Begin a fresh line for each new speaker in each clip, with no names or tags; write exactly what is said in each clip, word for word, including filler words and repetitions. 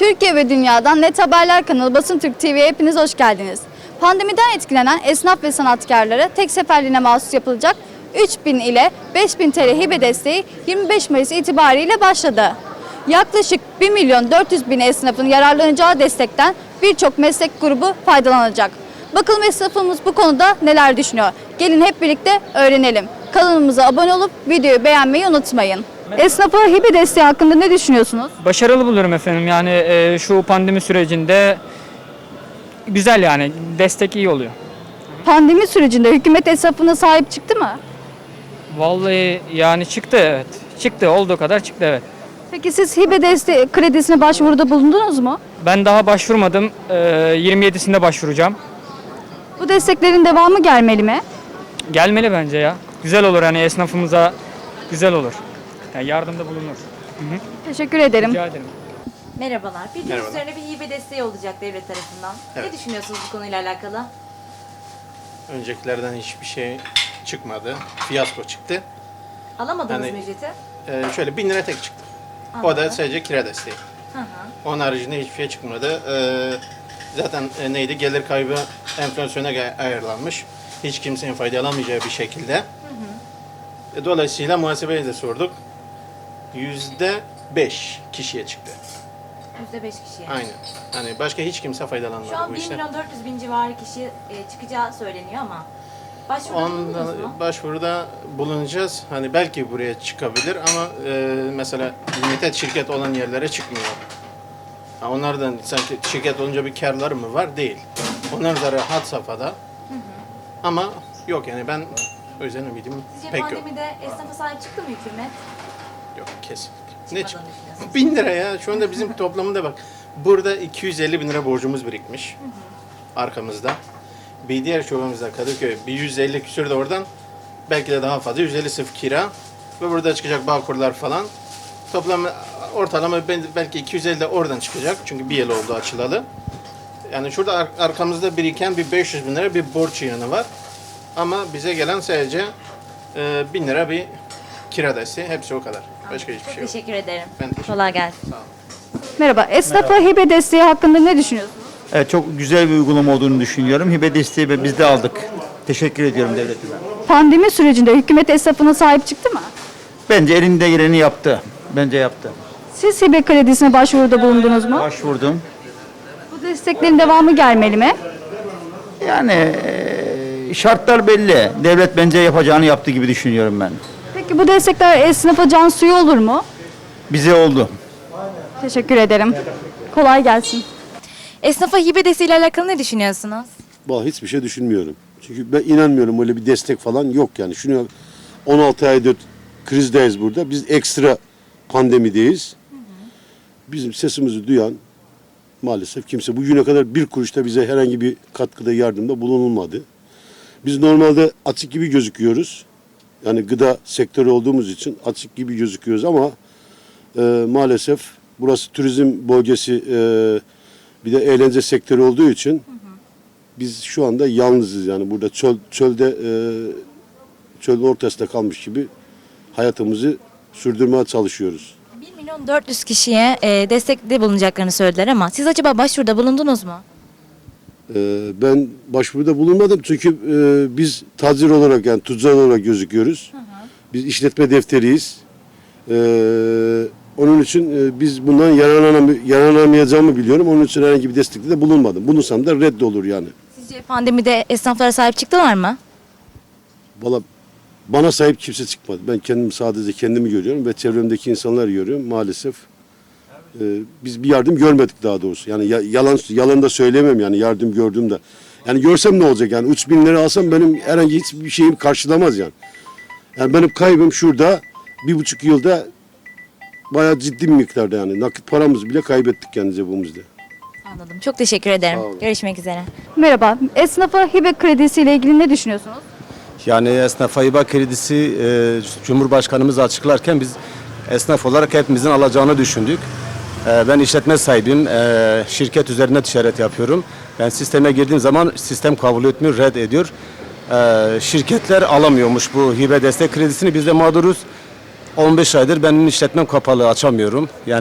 Türkiye ve dünyadan Net Haberler kanalı Basın Türk T V'ye hepiniz hoş geldiniz. Pandemiden etkilenen esnaf ve sanatkarlara tek seferliğine mahsus yapılacak üç bin ile beş bin T L hibe desteği yirmi beş Mayıs itibariyle başladı. Yaklaşık bir milyon dört yüz bin esnafın yararlanacağı destekten birçok meslek grubu faydalanacak. Bakalım esnafımız bu konuda neler düşünüyor? Gelin hep birlikte öğrenelim. Kanalımıza abone olup videoyu beğenmeyi unutmayın. Esnafa hibe desteği hakkında ne düşünüyorsunuz?
Başarılı buluyorum efendim. Yani e, şu pandemi sürecinde güzel, yani destek iyi oluyor.
Pandemi sürecinde hükümet esnafına sahip çıktı mı?
Vallahi yani çıktı, evet. Çıktı, olduğu kadar çıktı, evet.
Peki siz hibe desteği kredisine başvuruda bulundunuz mu?
Ben daha başvurmadım. E, yirmi yedisinde başvuracağım.
Bu desteklerin devamı gelmeli mi?
Gelmeli bence ya. Güzel olur, hani esnafımıza güzel olur. Yani yardımda bulunur. Hı hı.
Teşekkür ederim.
Rica ederim.
Merhabalar. Bildiğiniz
Merhaba.
üzerine bir hibe desteği olacak devlet tarafından.
Evet.
Ne düşünüyorsunuz bu konuyla alakalı?
Öncekilerden hiçbir şey çıkmadı. Fiyasko çıktı.
Alamadınız
Yani-
mı ücreti?
Ee, şöyle bin lira tek çıktı. O
Anladım.
da sadece kira desteği.
Hı hı.
Onun haricinde hiçbir şey çıkmadı. Ee, zaten e, neydi? Gelir kaybı enflasyona gay- ayarlanmış. Hiç kimsenin faydalanamayacağı bir şekilde. E, dolayısıyla muhasebeye de sorduk. Yüzde beş kişiye çıktı.
yüzde beş kişiye.
Aynen. Hani başka hiç kimse faydalanmadı
Şu an
bu
bir
işten.
milyon dört yüz bin civarı kişi e, çıkacağı söyleniyor ama başvuruda bulundunuz
Ondan
mu?
başvuruda bulunacağız. Hani belki buraya çıkabilir ama e, mesela limited şirket olan yerlere çıkmıyor. Ha, onlardan sanki şirket olunca bir karları mı var? Değil. Onlar da rahat safhada. Ama yok yani ben o yüzden ümidim
Sizce
pek yok.
pandemide esnafa sahip çıktı mı hükümet?
Yok kesinlikle. Ne
Çıkmadığını
çık?
düşünüyorsunuz.
Bin lira ya. Şu anda bizim toplamında bak. Burada iki yüz elli bin lira borcumuz birikmiş. Arkamızda. Bir diğer şubemizde Kadıköy bir yüz elli küsür de oradan. Belki de daha fazla. yüz elli sırf kira. Ve burada çıkacak Bağkurlar falan. Toplam ortalama bel- belki iki yüz elli de oradan çıkacak. Çünkü bir yıl oldu açılalı. Yani şurada ar- arkamızda biriken bir beş yüz bin lira bir borç yığını var. Ama bize gelen sadece e, bin lira bir kira desteği. Hepsi o kadar. Başka hiçbir
Çok
şey yok.
teşekkür ederim.
Ben teşekkür
Kolay gelsin.
Sağ olun.
Merhaba. Esnafa hibe desteği hakkında ne düşünüyorsunuz?
Evet, çok güzel bir uygulama olduğunu düşünüyorum. Hibe desteği ve biz de aldık. Teşekkür ediyorum devletime.
Pandemi sürecinde hükümet esnafına sahip çıktı mı?
Bence elinde geleni yaptı. Bence yaptı.
Siz hibe kredisine başvuruda bulundunuz mu?
Başvurdum.
Bu desteklerin devamı gelmeli mi?
Yani eee, şartlar belli. Devlet bence yapacağını yaptı gibi düşünüyorum ben.
Peki bu destekler esnafa can suyu olur mu?
Bize oldu.
Teşekkür ederim. Kolay gelsin.
Esnafa hibe desteğiyle alakalı ne düşünüyorsunuz?
Vallahi hiçbir şey düşünmüyorum. Çünkü ben inanmıyorum öyle bir destek falan yok yani. Şunu on altı aydır krizdeyiz burada. Biz ekstra pandemideyiz. Bizim sesimizi duyan maalesef kimse bugüne kadar bir kuruşta bize herhangi bir katkıda yardımda bulunulmadı. Biz normalde açık gibi gözüküyoruz. Yani gıda sektörü olduğumuz için açık gibi gözüküyoruz ama e, maalesef burası turizm bölgesi, e, bir de eğlence sektörü olduğu için biz şu anda yalnızız yani burada çöl, çölde e, çölün ortasında kalmış gibi hayatımızı sürdürmeye çalışıyoruz.
bir milyon dört yüz kişiye e, destekte bulunacaklarını söylediler ama siz acaba başvuruda bulundunuz mu?
E, ben başvuruda bulunmadım çünkü e, biz tacir olarak yani tüccar olarak gözüküyoruz. Biz işletme defteriyiz. E, onun için e, biz bundan yararlanam yararlanamayacağımı biliyorum. Onun için herhangi bir destekte de bulunmadım. Bulunsam da reddolur yani.
Sizce pandemide esnaflara sahip çıktılar mı?
Valla bana sahip kimse çıkmadı. Ben kendim sadece kendimi görüyorum ve çevremdeki insanlar görüyorum. Maalesef e, biz bir yardım görmedik daha doğrusu. Yani ya- yalan yalan da söyleyemem yani yardım gördüm de. Yani görsem ne olacak yani üç bin lira alsam benim herhangi hiçbir şeyim karşılamaz yani. Yani benim kaybım şurada bir buçuk yılda bayağı ciddi bir miktarda yani. Nakit paramızı bile kaybettik yani cebimizde.
Anladım. Çok teşekkür ederim.
Sağ olun.
Görüşmek üzere.
Merhaba. Esnafa hibe kredisiyle ilgili ne düşünüyorsunuz?
Yani esnaf hibe kredisi e, Cumhurbaşkanımız açıklarken biz esnaf olarak hepimizin alacağını düşündük. E, ben işletme sahibiyim. E, şirket üzerine ticaret yapıyorum. Ben sisteme girdiğim zaman sistem kabul etmiyor, red ediyor. E, şirketler alamıyormuş bu hibe destek kredisini. Biz de mağduruz. on beş aydır benim işletmem kapalı, açamıyorum. Yani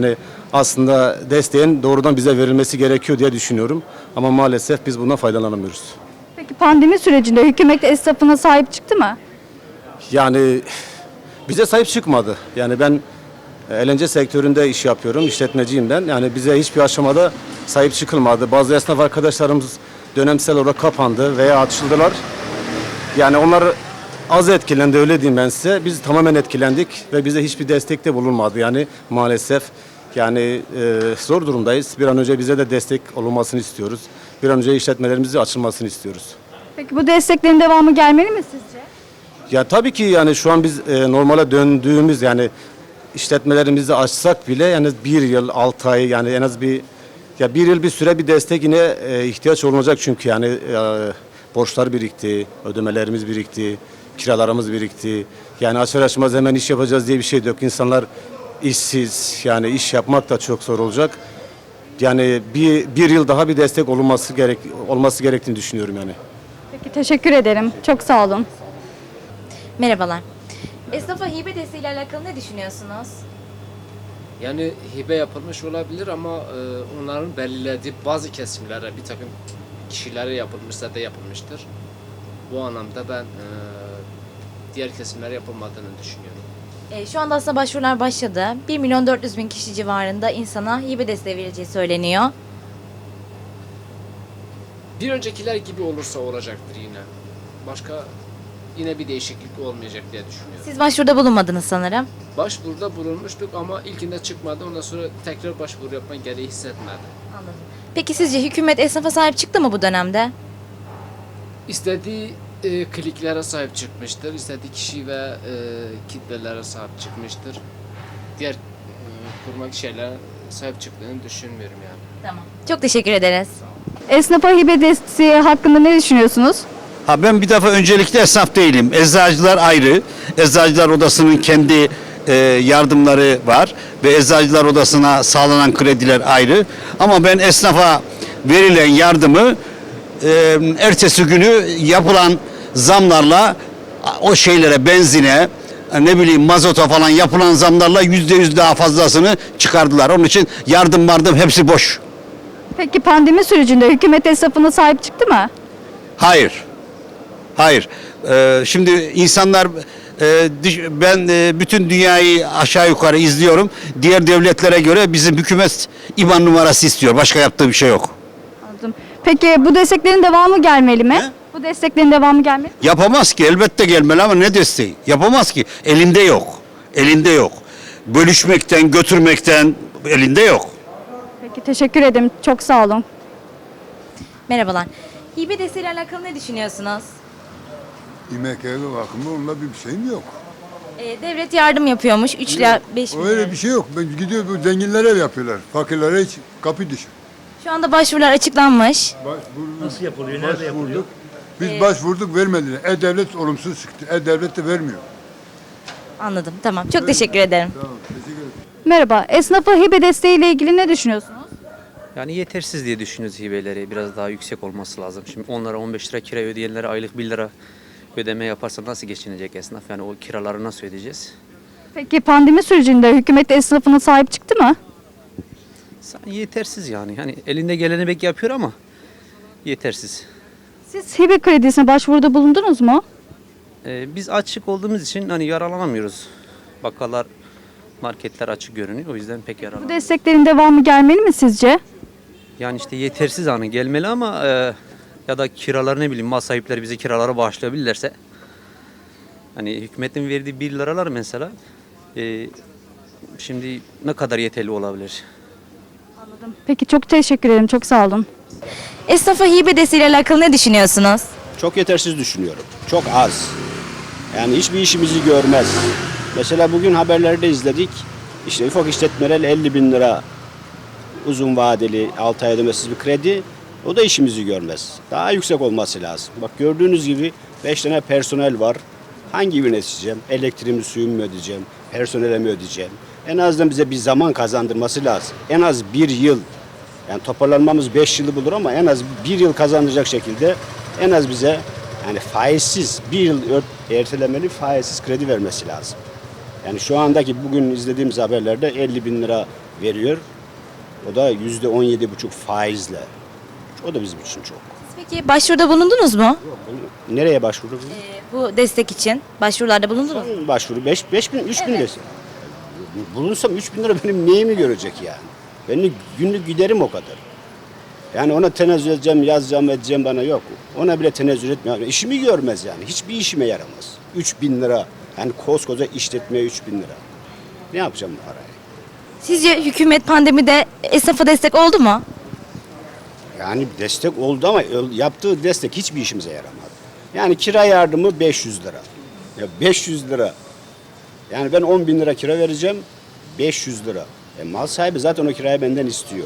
aslında desteğin doğrudan bize verilmesi gerekiyor diye düşünüyorum. Ama maalesef biz bundan faydalanamıyoruz.
Peki pandemi sürecinde hükümet esnafına sahip çıktı mı?
Yani bize sahip çıkmadı. Yani ben eğlence sektöründe iş yapıyorum, işletmeciyim ben. Yani bize hiçbir aşamada sahip çıkılmadı. Bazı esnaf arkadaşlarımız dönemsel olarak kapandı veya açıldılar. Yani onlar az etkilendi, öyle diyeyim ben size. Biz tamamen etkilendik ve bize hiçbir destekte bulunmadı. Yani maalesef yani e, zor durumdayız. Bir an önce bize de destek olunmasını istiyoruz. Bir an önce işletmelerimizi açılmasını istiyoruz.
Peki bu desteklerin devamı gelmeli mi sizce?
Ya tabii ki yani şu an biz e, normale döndüğümüz yani işletmelerimizi açsak bile yani bir yıl, altı ay yani en az bir ya bir yıl bir süre bir destek yine e, ihtiyaç olacak çünkü yani e, borçlar birikti, ödemelerimiz birikti, kiralarımız birikti. Yani açar açmaz hemen iş yapacağız diye bir şey de yok. İnsanlar işsiz yani iş yapmak da çok zor olacak. Yani bir, bir yıl daha bir destek olunması gerek olması gerektiğini düşünüyorum yani.
Peki teşekkür ederim. Çok sağ olun.
Merhabalar. Esnafa hibe desteğiyle alakalı ne düşünüyorsunuz?
Yani hibe yapılmış olabilir ama e, onların belirlediği bazı kesimlere, bir takım kişilere yapılmışsa da yapılmıştır. Bu anlamda ben e, diğer kesimlere yapılmadığını düşünüyorum.
E, şu anda aslında başvurular başladı. bir milyon dört yüz bin kişi civarında insana hibe desteği verileceği söyleniyor.
Bir öncekiler gibi olursa olacaktır yine. Başka yine bir değişiklik olmayacak diye düşünüyorum.
Siz başvuruda bulunmadınız sanırım.
Başvuruda bulunmuştuk ama ilkinde çıkmadı. Ondan sonra tekrar başvuru yapma gereği hissetmedim.
Anladım. Peki sizce hükümet esnafa sahip çıktı mı bu dönemde?
İstediği e, kliklere sahip çıkmıştır. İstediği kişi ve e, kitlelere sahip çıkmıştır. Diğer e, kurmak şeylere sahip çıktığını düşünmüyorum yani.
Tamam. Çok teşekkür ederiz.
Esnafa hibe desteği hakkında ne düşünüyorsunuz?
Ha ben bir defa öncelikle esnaf değilim. Eczacılar ayrı. Eczacılar Odası'nın kendi e, yardımları var ve Eczacılar Odası'na sağlanan krediler ayrı. Ama ben esnafa verilen yardımı e, ertesi günü yapılan zamlarla o şeylere, benzine, ne bileyim mazota falan yapılan zamlarla yüzde yüz daha fazlasını çıkardılar. Onun için yardım vardım hepsi boş.
Peki pandemi sürecinde hükümet esnafına sahip çıktı mı?
Hayır. Hayır. Ee, şimdi insanlar e, düş- ben e, bütün dünyayı aşağı yukarı izliyorum. Diğer devletlere göre bizim hükümet İBAN numarası istiyor. Başka yaptığı bir şey yok.
Anladım. Peki bu desteklerin devamı gelmeli mi?
Ne?
Bu desteklerin devamı gelmeli.
Yapamaz ki. Elbette gelmeli ama ne desteği? Yapamaz ki. Elinde yok. Elinde yok. Bölüşmekten, götürmekten elinde yok.
Peki teşekkür ederim. Çok sağ olun.
Merhabalar. Hibe desteğiyle alakalı ne düşünüyorsunuz?
İmek evi bakımı onunla bir şeyim yok.
E, devlet yardım yapıyormuş. üç ila beş bin.
Öyle bir şey yok. Ben gidiyor bu zenginlere ev yapıyorlar. Fakirlere hiç kapı dışı.
Şu anda başvurular açıklanmış.
Başvurduk. Nasıl yapılıyor? Nerede yapılıyor? Biz başvurduk vermediler. E-Devlet olumsuz çıktı. E-Devlet de vermiyor.
Anladım. Tamam. Çok teşekkür ederim.
Tamam. Teşekkür ederim.
Merhaba. Esnafa hibe desteği ile ilgili ne düşünüyorsunuz?
Yani yetersiz diye düşünüyoruz hibeleri. Biraz daha yüksek olması lazım. Şimdi onlara on beş lira kira ödeyenlere aylık bir lira ödeme yaparsa nasıl geçinecek esnaf? Yani o kiraları nasıl ödeyeceğiz?
Peki pandemi sürecinde hükümet esnafına sahip çıktı mı?
Yani yetersiz yani. Hani elinde geleni belki yapıyor ama yetersiz.
Siz hibe kredisine başvuruda bulundunuz mu?
Ee, biz açık olduğumuz için hani yararlanamıyoruz. Bakkallar, marketler açık görünüyor. O yüzden pek
Bu
yararlanamıyoruz.
desteklerin devamı gelmeli mi sizce?
Yani işte yetersiz hani gelmeli ama e, ya da kiraları ne bileyim mal sahipleri bize kiraları bağışlayabilirlerse hani hükümetin verdiği bir liralar mesela e, şimdi ne kadar yeterli olabilir?
Peki çok teşekkür ederim. Çok sağ olun.
Esnafa hibe desteğiyle alakalı ne düşünüyorsunuz?
Çok yetersiz düşünüyorum. Çok az. Yani hiçbir işimizi görmez. Mesela bugün haberlerde izledik. İşte ufak işletmeler elli bin lira uzun vadeli altı ay ödemesiz bir kredi. O da işimizi görmez. Daha yüksek olması lazım. Bak gördüğünüz gibi beş tane personel var. Hangi birine ödeyeceğim? Elektriğimi, suyumu mu ödeyeceğim? Personele mi ödeyeceğim? En azından bize bir zaman kazandırması lazım. En az bir yıl. Yani toparlanmamız beş yılı bulur ama en az bir yıl kazandıracak şekilde en az bize yani faizsiz bir yıl ertelemeli faizsiz kredi vermesi lazım. Yani şu andaki bugün izlediğimiz haberlerde elli bin lira veriyor. O da yüzde on yedi buçuk faizle. O da bizim için çok.
Peki başvuruda bulundunuz mu?
Nereye başvuru?
Bu destek için başvurularda bulundunuz mu?
Başvuru beş, beş bin, üç bin desin. Bulunsam üç bin lira benim neyimi görecek yani? Benim günlük giderim o kadar. Yani ona tenezzül edeceğim, yazacağım, edeceğim bana yok. Ona bile tenezzül etmiyor. İşimi görmez yani. Hiçbir işime yaramaz. üç bin lira. Yani koskoca işletmeye üç bin lira. Ne yapacağım bu parayı?
Sizce hükümet pandemide esnafa destek oldu mu?
Yani destek oldu ama yaptığı destek hiçbir işimize yaramadı. Yani kira yardımı beş yüz lira. Ya beş yüz lira. Yani ben on bin lira kira vereceğim. beş yüz lira. E mal sahibi zaten o kirayı benden istiyor.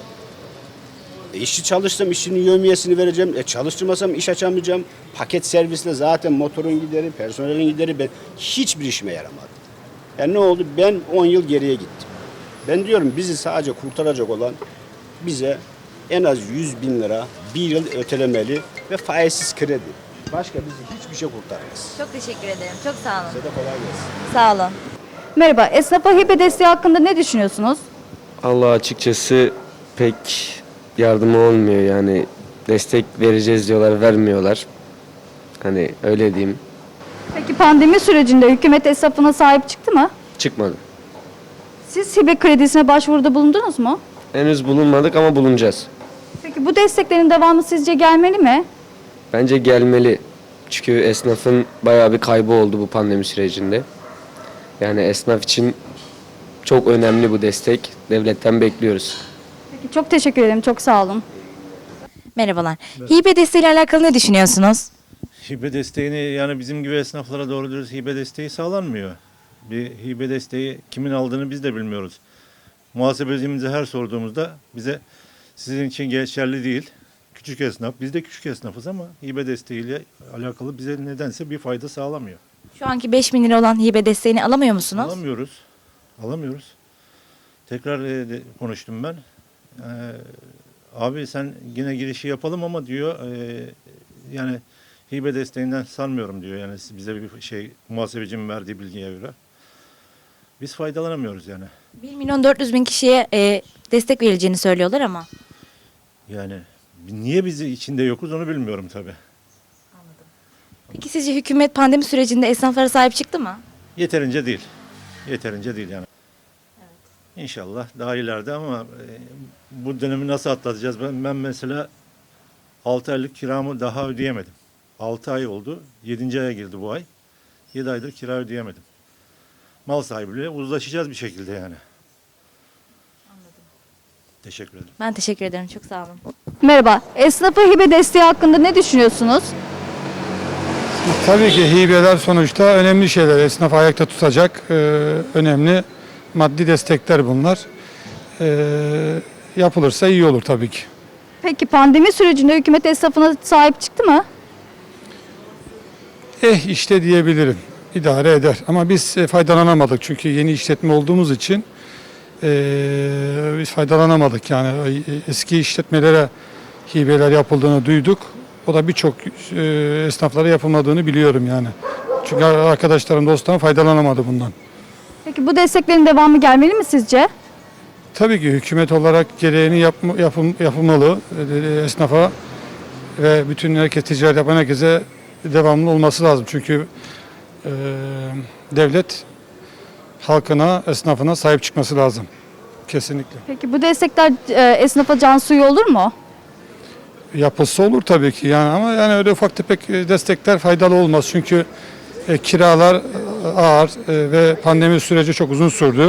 E işçi çalıştım, işçinin yevmiyesini vereceğim. E çalıştırmasam iş açamayacağım. Paket servisle zaten motorun gideri, personelin gideri, ben hiçbir işime yaramadı. Yani ne oldu? Ben on yıl geriye gittim. Ben diyorum bizi sadece kurtaracak olan bize en az yüz bin lira bir yıl ötelemeli ve faizsiz kredi. Başka bizi hiçbir şey kurtarmaz.
Çok teşekkür ederim. Çok sağ olun.
Size de kolay gelsin.
Sağ olun.
Merhaba, esnafa hibe desteği hakkında ne düşünüyorsunuz?
Allah açıkçası pek yardımı olmuyor yani destek vereceğiz diyorlar vermiyorlar. Hani öyle diyeyim.
Peki pandemi sürecinde hükümet esnafına sahip çıktı mı?
Çıkmadı.
Siz hibe kredisine başvuruda bulundunuz mu?
Henüz bulunmadık ama bulunacağız.
Peki bu desteklerin devamı sizce gelmeli mi?
Bence gelmeli. Çünkü esnafın bayağı bir kaybı oldu bu pandemi sürecinde. Yani esnaf için çok önemli bu destek. Devletten bekliyoruz.
Peki çok teşekkür ederim, çok sağ olun.
Merhabalar. Hibe desteğiyle alakalı ne düşünüyorsunuz?
Hibe desteğini yani bizim gibi esnaflara doğru dürüst hibe desteği sağlanmıyor. Bir hibe desteği kimin aldığını biz de bilmiyoruz. Muhasebecimize her sorduğumuzda bize sizin için geçerli değil. Küçük esnaf, biz de küçük esnafız ama hibe desteğiyle alakalı bize nedense bir fayda sağlamıyor.
Şu anki beş bin lira olan hibe desteğini alamıyor musunuz?
Alamıyoruz. Alamıyoruz. Tekrar e, de, konuştum ben. Ee, abi sen yine girişi yapalım ama diyor e, yani hibe desteğinden sanmıyorum diyor. Yani bize bir şey muhasebecinin verdiği bilgiye göre. Biz faydalanamıyoruz yani.
bir milyon dört yüz bin kişiye e, destek verileceğini söylüyorlar ama.
Yani niye biz içinde yokuz onu bilmiyorum tabii.
Peki sizce hükümet pandemi sürecinde esnaflara sahip çıktı mı?
Yeterince değil. Yeterince değil yani. İnşallah daha ileride ama e, bu dönemi nasıl atlatacağız? Ben, ben mesela altı aylık kiramı daha ödeyemedim. altı ay oldu. yedinci aya girdi bu ay. yedi aydır kira ödeyemedim. Mal sahibiyle uzlaşacağız bir şekilde yani. Anladım. Teşekkür ederim.
Ben teşekkür ederim. Çok sağ olun.
Merhaba, esnafa hibe desteği hakkında ne düşünüyorsunuz?
Tabii ki hibeler sonuçta önemli şeyler. Esnafı ayakta tutacak e, önemli maddi destekler bunlar. E, yapılırsa iyi olur tabii ki.
Peki pandemi sürecinde hükümet esnafına sahip çıktı mı?
Eh işte diyebilirim. İdare eder. Ama biz e, faydalanamadık. Çünkü yeni işletme olduğumuz için e, biz faydalanamadık. Yani e, eski işletmelere hibeler yapıldığını duyduk. O da birçok e, esnaflara yapılmadığını biliyorum yani. Çünkü arkadaşlarım, dostlarım faydalanamadı bundan.
Peki bu desteklerin devamı gelmeli mi sizce?
Tabii ki hükümet olarak gereğini yapma, yapım, yapılmalı e, esnafa ve bütün herkes ticaret yapan herkese devamlı olması lazım. Çünkü e, devlet halkına, esnafına sahip çıkması lazım. Kesinlikle.
Peki bu destekler e, esnafa can suyu olur mu?
Yapılsa olur tabii ki yani ama yani öyle ufak tefek destekler faydalı olmaz. Çünkü e, kiralar e, ağır e, ve pandemi süreci çok uzun sürdü.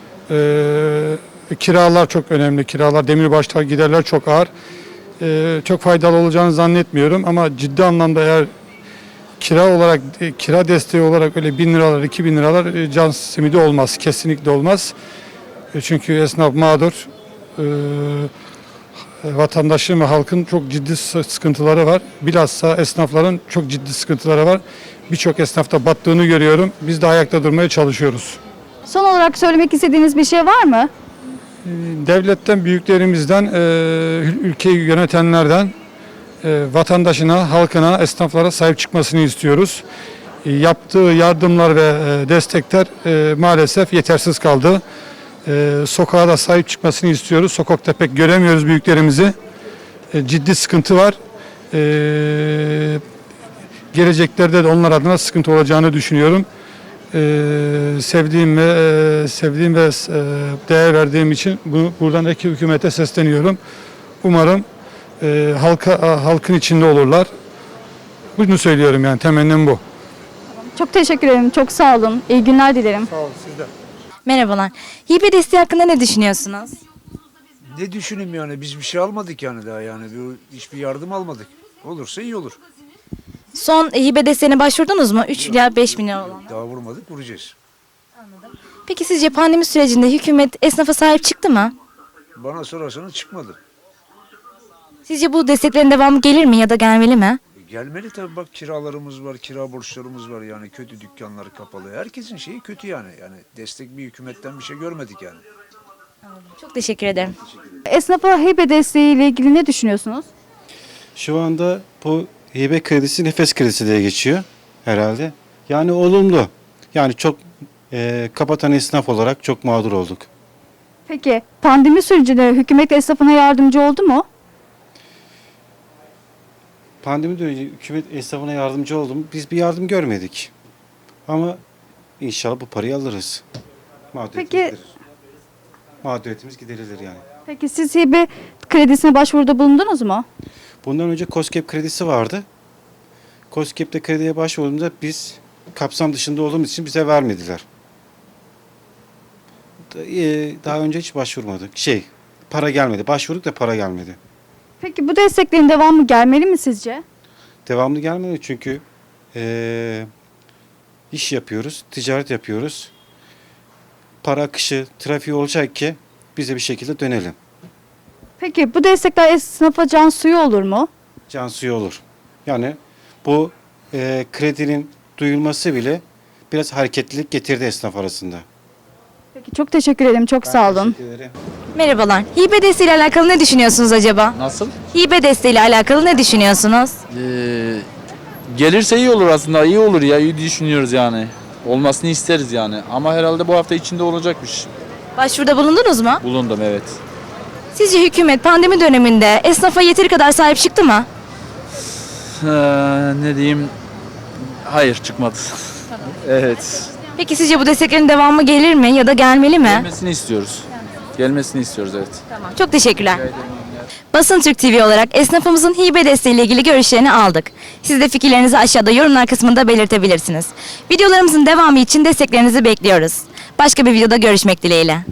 E, kiralar çok önemli. Kiralar, demirbaşlar, giderler çok ağır. E, çok faydalı olacağını zannetmiyorum ama ciddi anlamda eğer kira olarak, e, kira desteği olarak öyle bin liralar, iki bin liralar e, can simidi olmaz. Kesinlikle olmaz. E, çünkü esnaf mağdur. E, Vatandaşın ve halkın çok ciddi sıkıntıları var. Bilhassa esnafların çok ciddi sıkıntıları var. Birçok esnafta battığını görüyorum. Biz de ayakta durmaya çalışıyoruz.
Son olarak söylemek istediğiniz bir şey var mı?
Devletten, büyüklerimizden, ülkeyi yönetenlerden vatandaşına, halkına, esnaflara sahip çıkmasını istiyoruz. Yaptığı yardımlar ve destekler maalesef yetersiz kaldı. E, sokağa da sahip çıkmasını istiyoruz. Sokakta pek göremiyoruz büyüklerimizi. E, ciddi sıkıntı var. E, geleceklerde de onlar adına sıkıntı olacağını düşünüyorum. E, sevdiğim ve e, sevdiğim ve e, değer verdiğim için bu, buradan eki hükümete sesleniyorum. Umarım e, halka halkın içinde olurlar. Bunu söylüyorum yani temennim bu.
Çok teşekkür ederim. Çok sağ olun. İyi günler dilerim.
Sağ olun siz de.
Merhabalar. Hibe desteği hakkında ne düşünüyorsunuz?
Ne düşüneyim yani biz bir şey almadık yani daha yani bir, hiçbir yardım almadık. Olursa iyi olur.
Son hibe desteğine başvurdunuz mu? üç ila beş bin lira olan.
Daha vurmadık vuracağız.
Peki sizce pandemi sürecinde hükümet esnafa sahip çıktı mı?
Bana sorarsanız çıkmadı.
Sizce bu desteklerin devamı gelir mi ya da gelmeli mi?
E, Gelmeli tabii bak kiralarımız var, kira borçlarımız var yani kötü dükkanları kapalı. Herkesin şeyi kötü yani. Yani destek bir hükümetten bir şey görmedik yani.
Çok teşekkür ederim.
Esnafa hibe desteği ile ilgili ne düşünüyorsunuz?
Şu anda bu hibe kredisi nefes kredisi diye geçiyor herhalde. Yani olumlu. Yani çok e, kapatan esnaf olarak çok mağdur olduk.
Peki pandemi sürecinde hükümet esnafına yardımcı oldu mu?
Pandemi dönemi hükümet esnafına yardımcı oldu mu? Biz bir yardım görmedik. Ama inşallah bu parayı alırız. Mağduriyetimiz
Peki-
giderir. Mağduriyetimiz giderilir yani.
Peki siz hibe kredisine başvuruda bulundunuz mu?
Bundan önce KOSGEB kredisi vardı. KOSGEB'de krediye başvurduğumuzda biz kapsam dışında olduğumuz için bize vermediler. Da- e, Daha önce hiç başvurmadık. Şey, para gelmedi. Başvurduk da para gelmedi.
Peki bu desteklerin devamı gelmeli mi sizce?
Devamlı gelmedi çünkü e, iş yapıyoruz, ticaret yapıyoruz. Para akışı, trafiği olacak ki bize bir şekilde dönelim.
Peki bu destekler esnafa can suyu olur mu?
Can suyu olur. Yani bu e, kredinin duyulması bile biraz hareketlilik getirdi esnaf arasında.
Peki çok teşekkür ederim. Çok sağ olun.
Teşekkür ederim.
Merhabalar. Hibe desteği ile alakalı ne düşünüyorsunuz acaba?
Nasıl?
Hibe desteği ile alakalı ne düşünüyorsunuz?
Ee, gelirse iyi olur aslında. İyi olur ya. İyi düşünüyoruz yani. Olmasını isteriz yani. Ama herhalde bu hafta içinde olacakmış.
Başvuruda bulundunuz mu?
Bulundum evet.
Sizce hükümet pandemi döneminde esnafa yeteri kadar sahip çıktı mı?
Ee, ne diyeyim? Hayır çıkmadı. Evet.
Peki sizce bu desteklerin devamı gelir mi ya da gelmeli mi?
Gelmesini istiyoruz. Gelmesini istiyoruz evet.
Çok teşekkürler. Basın Türk T V olarak esnafımızın hibe desteği ile ilgili görüşlerini aldık. Siz de fikirlerinizi aşağıda yorumlar kısmında belirtebilirsiniz. Videolarımızın devamı için desteklerinizi bekliyoruz. Başka bir videoda görüşmek dileğiyle.